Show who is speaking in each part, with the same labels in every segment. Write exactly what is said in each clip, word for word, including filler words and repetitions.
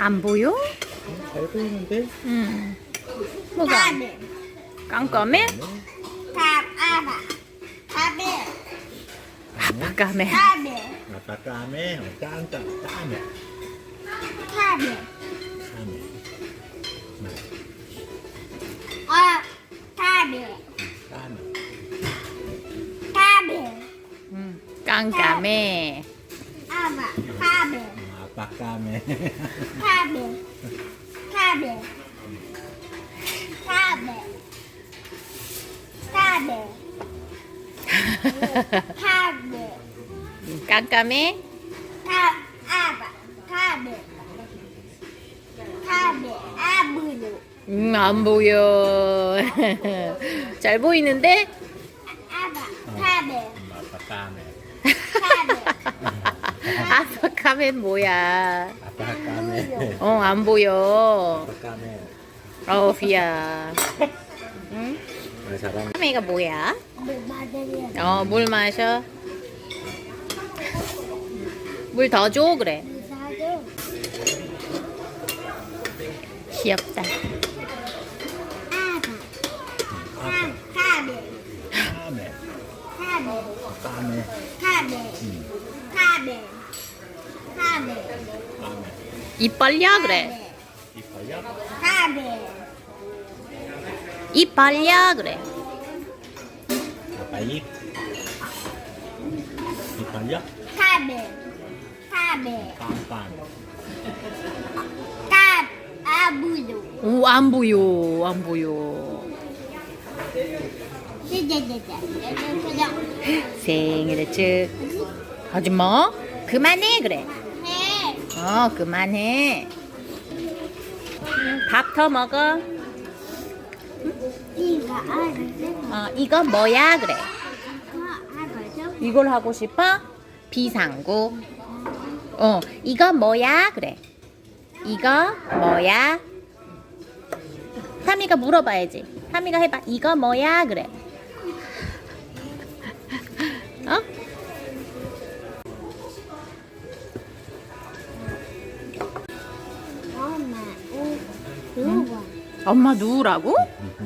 Speaker 1: 안 보여?
Speaker 2: 잘 보이는데?
Speaker 1: 응. 뭐가?
Speaker 3: 카메
Speaker 1: 깜깜해?
Speaker 3: 카아바 카메
Speaker 1: 아빠 까매.
Speaker 3: 카메
Speaker 2: 아빠 까매, 어, 깐까, 까매,
Speaker 3: 카메
Speaker 2: 까매.
Speaker 3: 아 카메
Speaker 2: 까매.
Speaker 3: 카메
Speaker 1: 응. 깜깜해.
Speaker 3: 아바 카메
Speaker 2: 어, 아빠 까매.
Speaker 3: 카메 카메 카메 카메 카메
Speaker 1: 깜깜해?
Speaker 3: 카 아바 카메 카메 아부루
Speaker 1: 음, 안 보여. 잘 보이는데?
Speaker 3: 아바 카메
Speaker 2: 아빠 까매.
Speaker 3: 카메
Speaker 1: 아빠 까맨 뭐야?
Speaker 2: 아빠 까매.
Speaker 1: 어, 안 보여.
Speaker 2: 아빠 까매.
Speaker 1: 어, 비야. 응?
Speaker 2: 아, 잘하네.
Speaker 1: 까매가 뭐야?
Speaker 3: 마들이야
Speaker 1: 어, 물 마셔. 물 더 줘, 그래.
Speaker 3: 사줘
Speaker 1: 귀엽다.
Speaker 3: 아바
Speaker 2: 아빠
Speaker 3: 카메
Speaker 2: 까매.
Speaker 3: 카메
Speaker 2: 까매.
Speaker 3: 카메
Speaker 2: 응,
Speaker 3: 카메 카메
Speaker 2: 까매.
Speaker 1: 입 벌려, 그래.
Speaker 2: 이뻐요?
Speaker 3: 카메
Speaker 1: 입 벌려, 그래.
Speaker 2: 아빠 입. 이뻐요?
Speaker 3: 카메 카메
Speaker 2: 빵빵.
Speaker 3: 카 아부루
Speaker 1: 오, 안 보여. 안 보여.
Speaker 3: 찌찌찌찌
Speaker 1: 생일 축. 하지 마. 그만해, 그래.
Speaker 3: 해
Speaker 1: 어, 그만해. 밥 더 먹어.
Speaker 3: 이거 알았어?
Speaker 1: 어, 이거 뭐야, 그래.
Speaker 3: 그거 알았어?
Speaker 1: 이걸 하고 싶어? 비상구. 어, 이거 뭐야, 그래. 이거 뭐야? 타미가 물어봐야지. 타미가 해봐. 이거 뭐야, 그래. 어?
Speaker 3: 엄마 우 누구?
Speaker 1: 엄마 누우라고?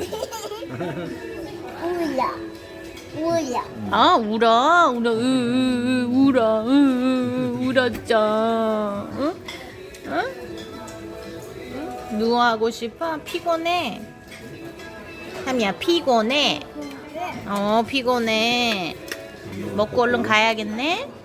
Speaker 3: 우야 우야
Speaker 1: 아, 울어. 울어. 으, 으, 으, 울어. 으, 으, 으, 울었죠. 응? 응? 응? 누워하고 싶어? 피곤해. 타미야, 피곤해. 어, 피곤해. 먹고 얼른 가야겠네.